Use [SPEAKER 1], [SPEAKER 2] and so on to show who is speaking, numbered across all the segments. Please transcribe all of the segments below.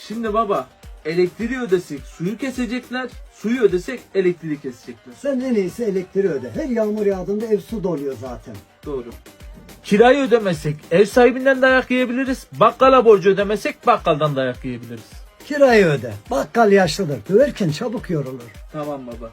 [SPEAKER 1] Şimdi baba, elektriği ödesek suyu kesecekler, suyu ödesek elektriği kesecekler.
[SPEAKER 2] Sen en iyisi elektriği öde. Her yağmur yağdığında ev su doluyor zaten.
[SPEAKER 1] Doğru. Kirayı ödemezsek ev sahibinden dayak yiyebiliriz. Bakkala borcu ödemezsek bakkaldan dayak yiyebiliriz.
[SPEAKER 2] Kirayı öde. Bakkal yaşlıdır. Döverken çabuk yorulur.
[SPEAKER 1] Tamam baba.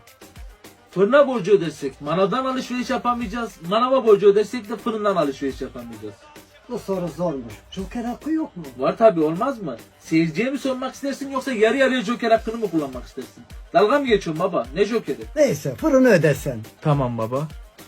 [SPEAKER 1] Fırına borcu ödesek manavdan alışveriş yapamayacağız. Manava borcu ödesek de fırından alışveriş yapamayacağız.
[SPEAKER 2] Bu soru zormuş. Joker hakkı yok mu?
[SPEAKER 1] Var tabi, olmaz mı? Seyirciye mi sormak istersin yoksa yarı yarıya joker hakkını mı kullanmak istersin? Dalga mı geçiyorsun baba? Ne jokeri?
[SPEAKER 2] Neyse fırını ödesen.
[SPEAKER 1] Tamam baba.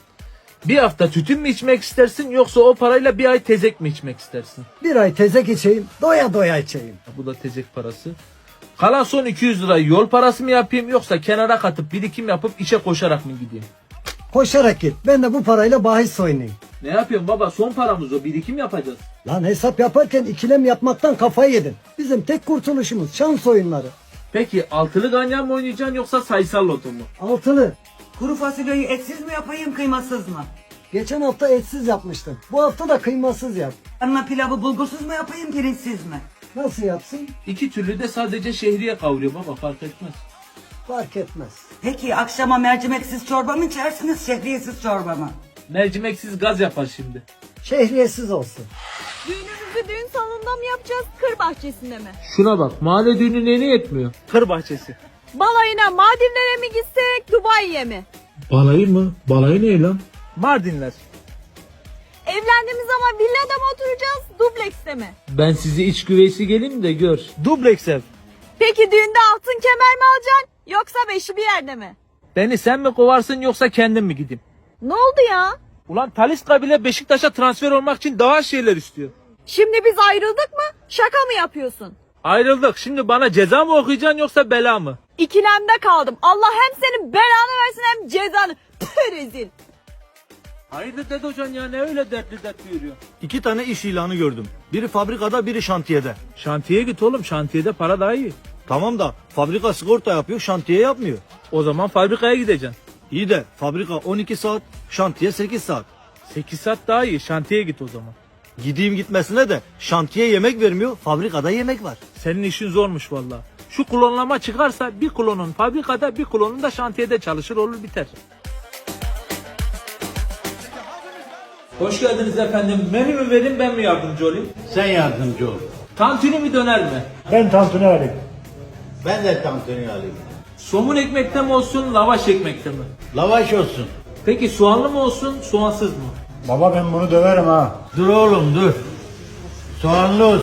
[SPEAKER 1] Bir hafta tütün mü içmek istersin yoksa o parayla bir ay tezek mi içmek istersin?
[SPEAKER 2] Bir ay tezek içeyim. Doya doya içeyim.
[SPEAKER 1] Bu da tezek parası. Kalan son 200 lirayı yol parası mı yapayım yoksa kenara katıp birikim yapıp işe koşarak mı gideyim?
[SPEAKER 2] Koşarak git. Ben de bu parayla bahis oynayayım.
[SPEAKER 1] Ne yapıyorsun baba? Son paramız o. Birikim yapacağız.
[SPEAKER 2] Lan hesap yaparken ikilem yapmaktan kafayı yedin. Bizim tek kurtuluşumuz şans oyunları.
[SPEAKER 1] Peki altılı ganyan mı oynayacaksın yoksa sayısal loto mu?
[SPEAKER 2] Altılı.
[SPEAKER 3] Kuru fasulyeyi etsiz mi yapayım kıymasız mı?
[SPEAKER 2] Geçen hafta etsiz yapmıştın. Bu hafta da kıymasız yap.
[SPEAKER 3] Yanına pilavı bulgursuz mu yapayım pirinçsiz mi?
[SPEAKER 2] Nasıl yapsın?
[SPEAKER 1] İki türlü de sadece şehriye kavuruyor baba, fark etmez.
[SPEAKER 2] Fark etmez.
[SPEAKER 3] Peki akşama mercimeksiz çorba mı içersiniz şehriyesiz çorba mı?
[SPEAKER 1] Mercimeksiz gaz yapar şimdi.
[SPEAKER 2] Şehriyesiz olsun.
[SPEAKER 4] Düğünümüzü düğün salonunda mı yapacağız, kır bahçesinde mi?
[SPEAKER 1] Şuna bak, mahalle düğünü neyine yetmiyor? Kır bahçesi.
[SPEAKER 4] Balayına Maldivlere mi gitsek, Dubai'ye mi?
[SPEAKER 1] Balayı mı? Balayı ne lan? Mardinler.
[SPEAKER 4] Evlendiğimiz zaman villada mı oturacağız, dublekste mi?
[SPEAKER 1] Ben sizi iç güveysi geleyim de gör. Dubleks ev.
[SPEAKER 4] Peki düğünde altın kemer mi alacaksın, yoksa beşi bir yerde mi?
[SPEAKER 1] Beni sen mi kovarsın yoksa kendim mi gideyim?
[SPEAKER 4] Ne oldu ya?
[SPEAKER 1] Ulan Talisca bile Beşiktaş'a transfer olmak için daha şeyler istiyor.
[SPEAKER 4] Şimdi biz ayrıldık mı, şaka mı yapıyorsun?
[SPEAKER 1] Ayrıldık. Şimdi bana ceza mı okuyacaksın yoksa bela mı?
[SPEAKER 4] İkilemde kaldım. Allah hem senin belanı versin hem cezanı. Tüh rezil.
[SPEAKER 1] Hayırdır Dede Hocam ya, ne öyle dertli dertli yürüyor?
[SPEAKER 5] 2 tane iş ilanı gördüm. Biri fabrikada, biri şantiyede.
[SPEAKER 1] Şantiye git oğlum, şantiyede para daha iyi.
[SPEAKER 5] Tamam da fabrika sigorta yapıyor, şantiye yapmıyor.
[SPEAKER 1] O zaman fabrikaya gideceksin.
[SPEAKER 5] İyi de fabrika 12 saat, şantiye 8 saat.
[SPEAKER 1] 8 saat daha iyi, şantiye git o zaman.
[SPEAKER 5] Gideyim gitmesine de şantiye yemek vermiyor, fabrikada yemek var.
[SPEAKER 1] Senin işin zormuş valla. Şu klonlama çıkarsa bir klonun fabrikada bir klonun da şantiyede çalışır, olur biter. Hoş geldiniz efendim. Menü mü verin, ben mi yardımcı olayım?
[SPEAKER 6] Sen yardımcı ol.
[SPEAKER 1] Tantuni mi döner mi?
[SPEAKER 7] Ben tantuni alayım.
[SPEAKER 6] Ben de tantuni alayım.
[SPEAKER 1] Somun ekmekte mi olsun, lavaş ekmekte mi?
[SPEAKER 6] Lavaş olsun.
[SPEAKER 1] Peki soğanlı mı olsun, soğansız mı?
[SPEAKER 7] Baba ben bunu döverim ha.
[SPEAKER 6] Dur oğlum dur. Soğanlı olsun.